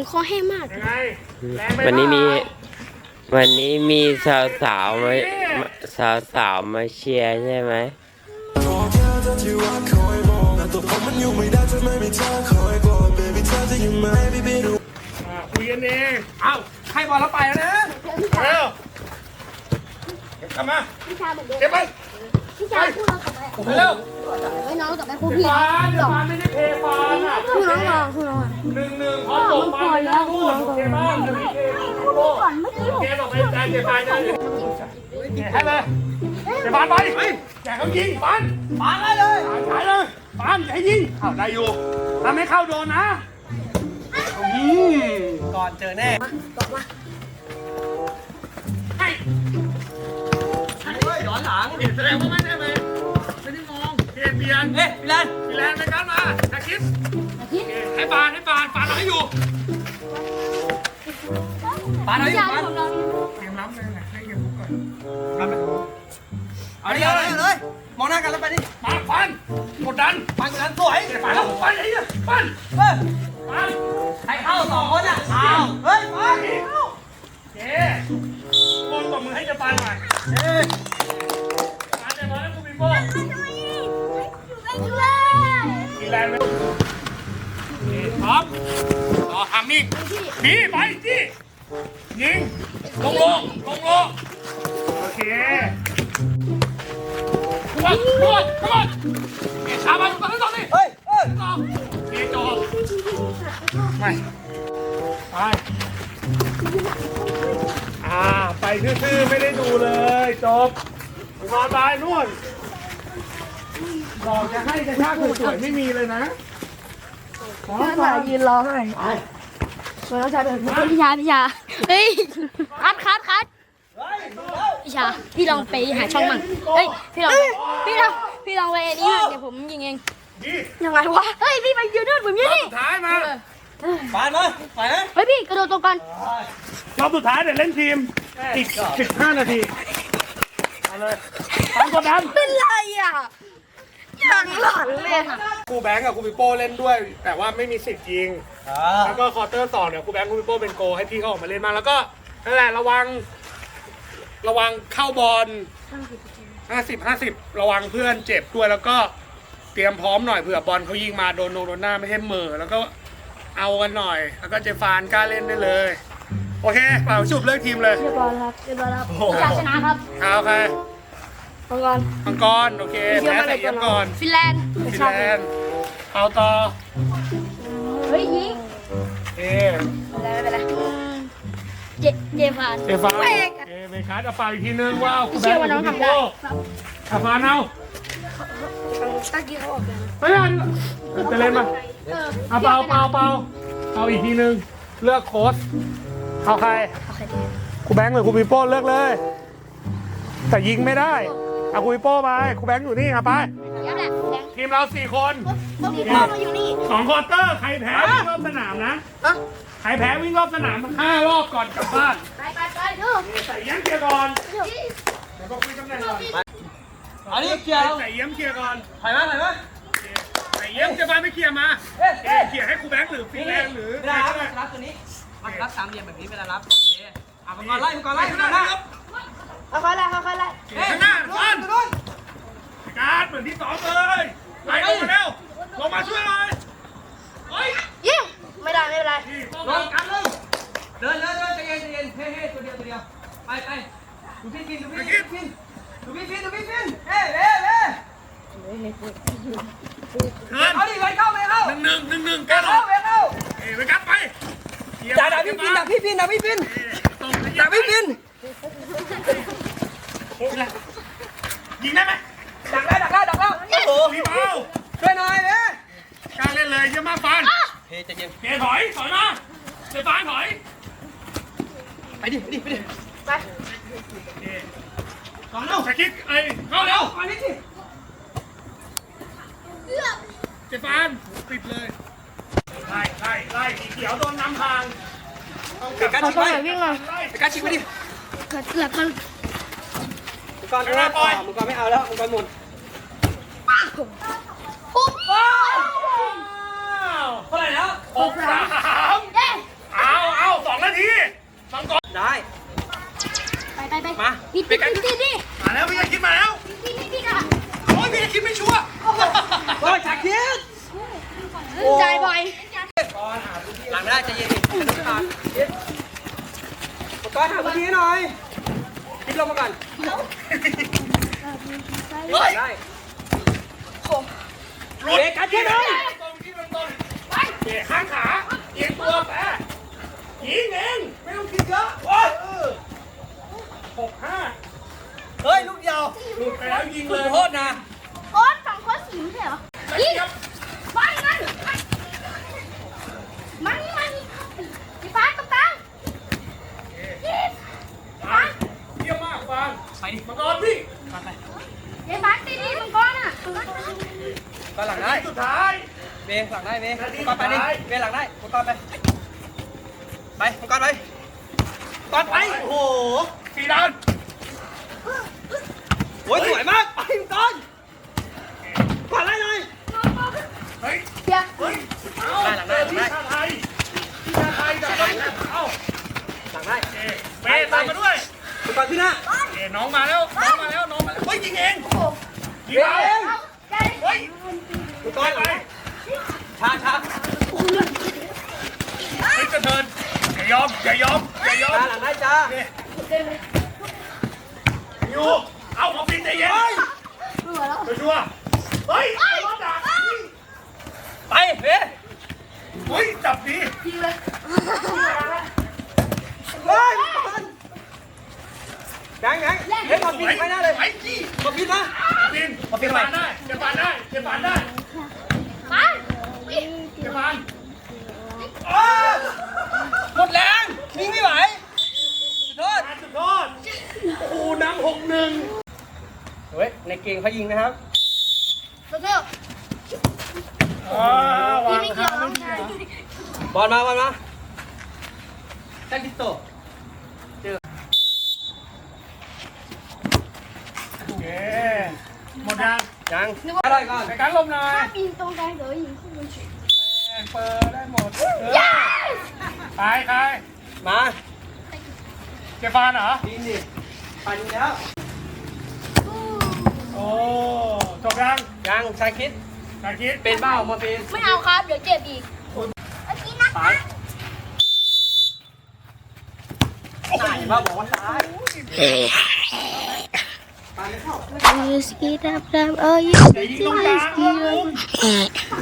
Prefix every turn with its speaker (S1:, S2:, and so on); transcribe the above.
S1: คอแห้งมาก
S2: ยังไง
S3: วันนี้มีสาวมาเชียร์ใช่ไหม
S2: คุยกันเอง
S4: ให้บอลแล้วไปแล้วนะ
S2: เร็วกลับมาเก็บไป
S1: พี่ชายพูดเรากลับไป
S2: เร็ว
S1: ไว้น้องกลับไปครูพี่
S2: ฟานไม่ได้เพย์ฟานอ่ะ
S1: ครูน้องรอครูน้องอ่ะ
S2: 1-1พอตกมาแล้วพูดโอเคบ้างโอเคก่อนเมื่อกี้โอเคบอกไปใจเจ็บฟานเลยให้เลยเจ็บฟานไปแจกเขายิงฟานได้เลยฉายเลยฟานให้ยิงได้อยู่ทำให้เข้าโดนนะ
S4: ก่อนเจอแน่ย้อนหลัง
S2: แสดงว่าไม่ได้เลยไม่ได้มองเปลี่ยนพี่แลนในการมาตะคิดให้ฟานเราให้อยู่
S4: เอาอยู่
S2: เกมล้ำเลยให้เกมก่อน
S4: เอาเลยมองหน้ากันแล้วไปดิ
S2: ฟันกดดัน
S4: สวย
S2: ฟันแล้วฟันไอ้เนี่ยฟัน
S4: ให้เข้า2 คนอ่ะเฮ้ยไป
S2: เจ๊โอนตบมือให้จะฟันหน่อยฟันจะมาแล้วกูมีโป้กินแรงไหมพร้อมต่อทำมิ่งพี่ไปจี้ยิงลงโอเคขวดเอ็ดชาไปตอนนี้
S4: เฮ้ย
S2: ต่อเอ็ดจบไปไปซื่อๆไม่ได้ดูเลยจบนอนตายนู่นบอกจะให้กระชากสวยๆไม่มีเลยนะ
S1: เพื่อนมายืนรอให้น้องชายเป็นพี่ชาเฮ้ยคัดพี่ชาพี่ลองไปหาช่องมั่งเฮ้ยพี่ลองไปอันนี้เดี๋ยวผมยิงเองยังไงวะเฮ้ยพี่ไปยืนนู่นผมยืนนี่
S2: สุดท้ายมา
S4: ปานมาไปนะ
S1: เฮ้ยพี่กระโดดตรงกัน
S2: รอบสุดท้ายเดี๋ยวเล่นทีมอีก15 นาทีเอาเลยตั้งกดดัน
S1: เป็นไรอ่ะยังหลังเลย
S2: ครูแบงค์กับครูปิโป้เล่นด้วย แต่ว่าไม่มีสิทธิ์ยิงแล้วก็ควอเตอร์2เนี่ยครูแบงค์ครูปิโป้เป็นโกให้พี่เขาออกมาเล่นมางแล้วก็นั่นแหละระวังเข้าบอล50 ระวังเพื่อนเจ็บด้วยแล้วก็เตรียมพร้อมหน่อยเผื่อบอลเขายิงมาโดนหน้าไม่ให้เหม่อแล้วก็เอากันหน่อยแล้วก็เจฟานกล้าเล่นได้เลยโอเคเป่าฉุบเลือกทีมเลย
S1: เรียบร้อยครับอยากชนะครับ
S2: เอาใครมังกรโอเคแพ้ใส่เยี่ยมก่อน
S1: ฟินแลนด์
S2: เอาต่อ
S1: เฮ้ยยิงไม่เป็นไรเจฟาน
S2: เบคัสเอาไปอีกทีนึงว้าว
S1: เชื่อว่าน้องทำได้
S2: ขับมาเอา
S1: ตะกี้เขาออกแล้ว
S2: ไม่ทันจะเล่นมาเอาเปล่าเอาอีกทีนึงเลือกโค้ชเอาใครครูแบงค์หรือครูปิโป้เลือกเลยแต่ยิงไม่ได้เอาครูปิโป้ไปครูแบงค์อยู่นี่เอาไปทีมเรา4 คน2 ควอเตอร์ใครแพ้วิ่งรอบสนามนะใครแพ้วิ่งรอบสนาม5 รอบก่อนกลับบ้าน
S1: ไปดู
S2: ใส่เยี่ยมเคลียร์ก่อนเดี๋ยวก็คุยตำแหน่งก่อน
S4: อันนี้เคลียร์
S2: ใส่เยี่ยมเคลียร์ก่อน
S4: ถ่ายมา
S2: ใส่เยี่ยมจะไปไม่เคลียร์มาเคลียร์ให้ครูแบงค์หรือฟินแลนด์หรือ
S4: เวลารับตัวนี้รับ3 เหลี่ยมแบบนี้เวลารับโอเคมังกรไล่ข้างหน้า
S1: ค่อยไล่
S2: ข้างหน้าฟันการเหมือนที่2เลยไล่ลงมาเร็วลงมาช่วยหน่อย
S1: ยิงไม่เป็นไร
S4: ลงกันเลยเดินใจเย็นเฮ้ตัวเดียวไปดูพี่ฟินเฮ้เอาดิไปเข้า
S2: 1-1กันไปกัดไป
S4: ดักพี่ฟิน
S2: ยิงได้ไหม
S4: ดักแล้วโอ้
S2: พี่เป้า
S4: ช่วยหน่อย
S2: กล้าเล่นเลยเยอะมากฟัน
S4: เฮ้ใจเย็น
S2: ถอยมาเจฟานถอย
S4: ไปดิ
S1: ไป
S2: ต่อเร็วสกิดเข้าเร็ว
S4: ไปนี่สิ
S2: เจฟานปิดเลยไล่สีเขียวโดนนำทาง
S4: การชิงไปการชิงไปดิก่อนมึงก่อนไม่เอาแล้วมึงก่อนหมด
S1: ปุ๊บ
S4: เท่าไหร่แล้ว
S2: 6-3 2 นาทีฟังก่อน
S4: ได้
S1: ไป
S4: มา
S1: พี่
S4: ไปกัน
S2: มาแล้วพี่คิดมาแล้ว
S1: พี่ค่ะ
S2: โอ้ยพี่คิดไม่ชัวร์
S4: โอ้ยชาคิด
S1: จ่ายบ่อย
S4: หลังไม่ได้ใจเย็นดิกระดูกขาดก้อนหาพื้นที่ให้หน่อยคิดลงมาก่อน
S2: เฮ้ย
S4: ได้
S2: หลุดกันที่ไหนตรงที่มันตรงเบรกข้างขาเอียงตัวแปะยิงเองไม่ต้องคิดเยอะโอ้ย6-5
S4: เฮ้ยลูกเดียว
S2: หลุดไปแล้วยิง
S4: คุ
S2: เล
S4: ณ
S2: ย
S4: โทษนะ
S1: โค้ดฝั่งโค้ดสีไม่ใช่เหรอยิงมันพี่ฟ้าตรงกลางยิง
S2: ฟังเยี่ยมมากฟัง
S4: ไปดิ
S2: มังกรพี่
S4: ไป
S1: เดี๋ยวฟ้าตีดีมังกรอ่ะ
S4: ก้อนหลังได้
S2: สุดท้าย
S4: เบย์หลังได้เบย์ก้อนไปดิเบย์หลังได้ก้อนไปไปก้อนไปก้อนไปโอ้โห
S2: 4 ด้าน
S4: โอ้ยสวยมากไปก้อนก้อนไล่เลย
S2: เฮ้ย
S1: เดี๋ยว
S2: เฮ้ยเอา
S4: ได้หลังได้หลังได้
S2: ชาไทยชาไทยจับได้เอ้า
S4: หลังได้
S2: เบตามมาด้วย
S4: ก้อนขึ้นหน้า
S2: น้องมาแล้วเฮ้ยยิงเองยิง
S4: เบ
S2: เอา
S4: ย์
S2: เฮ้ย
S4: ก้อนไปช้า
S2: เฮ้ยกระเทินอย่ายอม
S4: หลังได้จ้า
S2: อยู่เอามาปิดใจเย็นชัวร์เฮ้ยรถดัก
S4: ไปเบย์
S2: เฮ้ยจับดี
S4: เฮ้ยยังเฮ้ยมาปิดไปหน้าเลย
S2: ไอ้จี้
S4: มาปิดนะ
S2: ปินเก็บปานได้เก็บปานได้เก็บปานได้
S1: มา
S2: เก็บปาน
S4: หมดแรงวิ่งไม่ไหวโทษ
S2: สุดยอดโอ้โหนำ6-1
S4: เฮ้ยในเกมเขายิงนะครับ
S1: ตัวเดียว
S2: วาง
S1: ไม่เกี่ยวน้องชาย
S4: บอลมาแท็กติโต
S2: โอเคหมดยัง
S4: ยังอะไรก่อน
S2: ในการลมหน่อย
S1: ถ้าปีนตรงกลางเดี๋ยวยิงขึ้นบน
S2: เปิดได้หมดใคร
S4: มา
S2: เก็บปานเหรอ
S4: ปีนดิปันแล้ว
S2: โอ้จบยัง
S4: ยังชายคิด
S2: นาคิด
S4: เป็นเบ้ามาเป็น
S1: ไม่เอาครับ เดี๋ยวเจ็บอีกเมื่อกี้นะ
S4: ตายตายบ้าบอกว่าตายตายไม่เข้า
S1: Ski dap dap, oh you
S2: อย่ายิงตรงกลางลูก